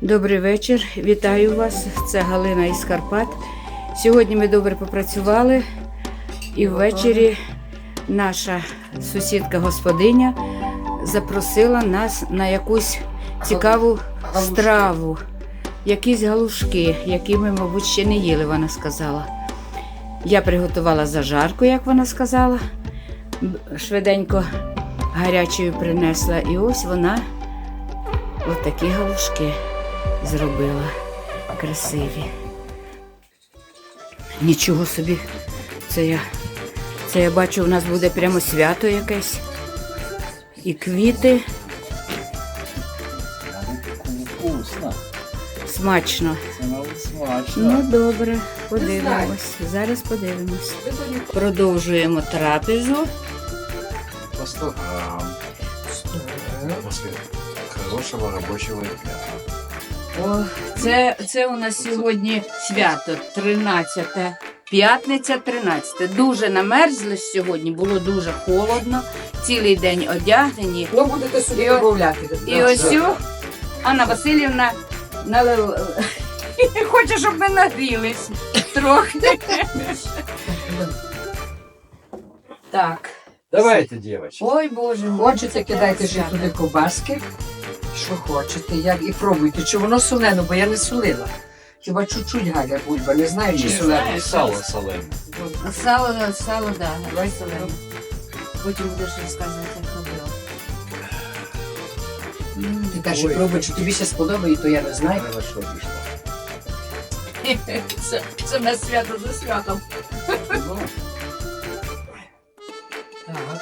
Добрий вечір, вітаю вас. Це Галина із Карпат. Сьогодні ми добре попрацювали і ввечері наша сусідка-господиня запросила нас на якусь цікаву страву. Якісь галушки, які ми, мабуть, ще не їли, вона сказала. Я приготувала зажарку, як вона сказала. Швиденько гарячою принесла. І ось вона отакі галушки зробила. Красиві. Нічого собі. Це я бачу, у нас буде прямо свято якесь. І квіти. Вкусно. Смачно. Це навіть смачно. Ну, добре, подивимось. Зараз подивимось. Продовжуємо трапезу. По 100 грамм. После хорошего рабочего дня. О, це у нас сьогодні свято, 13. П'ятниця, 13. Дуже намерзли сьогодні, було дуже холодно. Цілий день одягнені. Ну, будете собі додавати. І ось Анна Васильівна хоче, щоб ми нагрілись трохи. Так. Давайте, девочки. Ой, Боже мій. Хочете, кидайте ще туди ковбаски, що хочете, як і пробуйте. Чи воно солене, бо я не солила. Хіба чуть-чуть Галя бульба, не знаю, чи солене. Сало солене. Сало, да. Давай солене. Потім будеш розказувати, як робила. Ти теж пробуй, чи тобі ще сподобає, то я не знаю. Хорошо вийшло. Це в нас свято за святом. Ну, Так.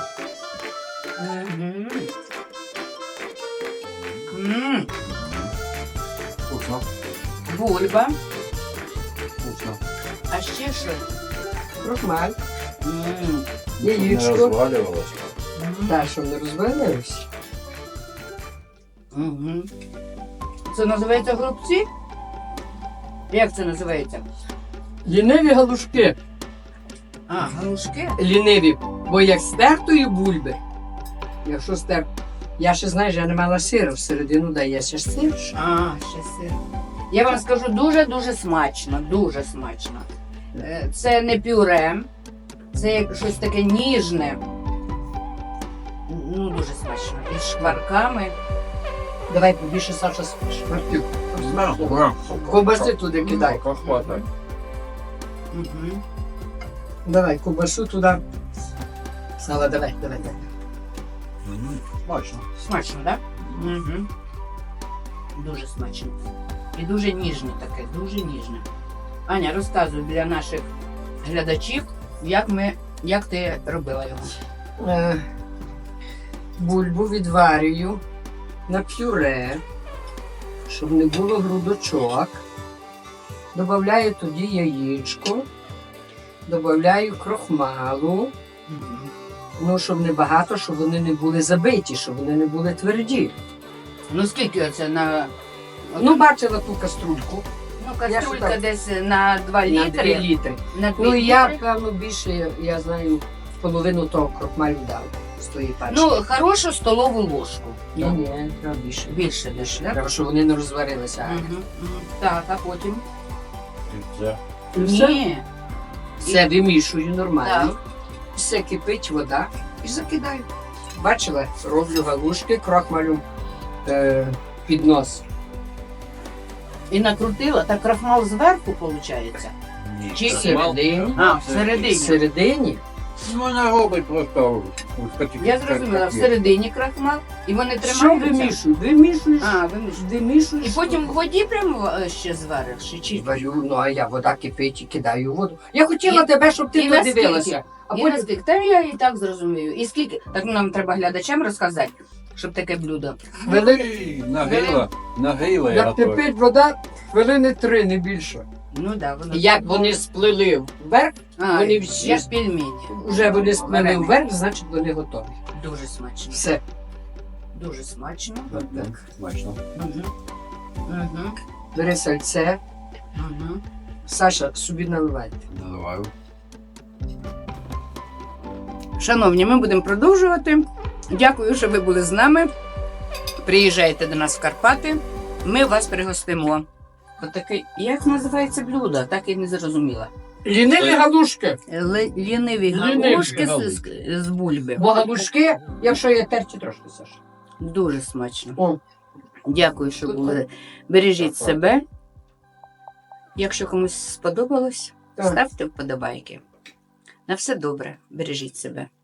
вкусно. Бульба. Вкусно. А ще що? Крохмаль, Не яєчко. розвалювалося. Так, щоб не розвалилось. Це називається голубці? Як це називається? Ліниві галушки. А, галушки? Ліниві, бо як стертої бульби. Якщо я ще, знаєш, я не мала сиру, всередину дає ще сир. А, ще сир. Я вам скажу, дуже-дуже смачно, дуже смачно. Це не пюре, це як щось таке ніжне. Ну, дуже смачно. Із шкварками. Давай побільше, Саша, шмартюк. Ковбаси туди кидай. Хватає. Угу. Давай, ковбасу туди. Сала, давай. Смачно. Смачно, так? Да? Угу. Дуже смачно. І дуже ніжне таке, дуже ніжне. Аня, розказуй для наших глядачів, як ти робила його. Бульбу відварюю на пюре, щоб не було грудочок. Добавляю тоді яєчко, добавляю крохмалу, ну, щоб не багато, щоб вони не були забиті, щоб вони не були тверді. Ну скільки оце на... Ну, бачила ту каструльку. Ну, Я каструлька ж так- десь на 2 На 3 літри. літри. На 2 Ну, я, літри. певно, більше, я знаю, половину того крохмалю дав з тої пачки. Ну, хорошу столову ложку. Ні, треба більше. Більше десь, так? Треба, щоб вони не розварилися. Так, а потім? І все. Ні. Все вимішую нормально. Так. Все кипить вода і закидаю. Бачила, роблю галушки, крохмалю під нос. І накрутила, так крахмал зверху, виходить? Ні. Чи Всередині. А, всередині. Всередині. Ну, вона робить просто. Я зрозуміла, всередині крахмал, і вони Що тримаються? вимішую? Вимішуєш. А, вимішуєш. Вимішуєш. І потім в воді прямо ще звариш? Чи? варю, ну а я вода кипить і кидаю воду. Я хотіла тебе, щоб ти і наскільки? подивилася. А І потім наскільки? Та я і так зрозумію. І скільки? Так нам треба глядачам розказати, щоб таке блюдо. Нагріла я як готую. кипить вода, хвилини 3, не більше. Ну да, воно. Як вони сплили вверх, А, вони всі- як пельмені. вже вони сплили Варені. вверх, значить вони готові. Дуже смачно. Все. Дуже смачно. Так, смачно. Угу. Угу. Бери сальце. Угу. Саша, собі наливайте. Наливаю. Шановні, ми будемо продовжувати. Дякую, що ви були з нами. Приїжджайте до нас в Карпати. ми вас пригостимо. Отакий, як називається блюдо, так і не зрозуміла. Ліниві галушки. Ліниві Ліниві галушки галушки. з бульби. Бо галушки, якщо є терті трошки, Саша. Дуже смачно. О, Дякую, що були. Бережіть себе. Якщо комусь сподобалось, Так. ставте вподобайки. На все добре. Бережіть себе.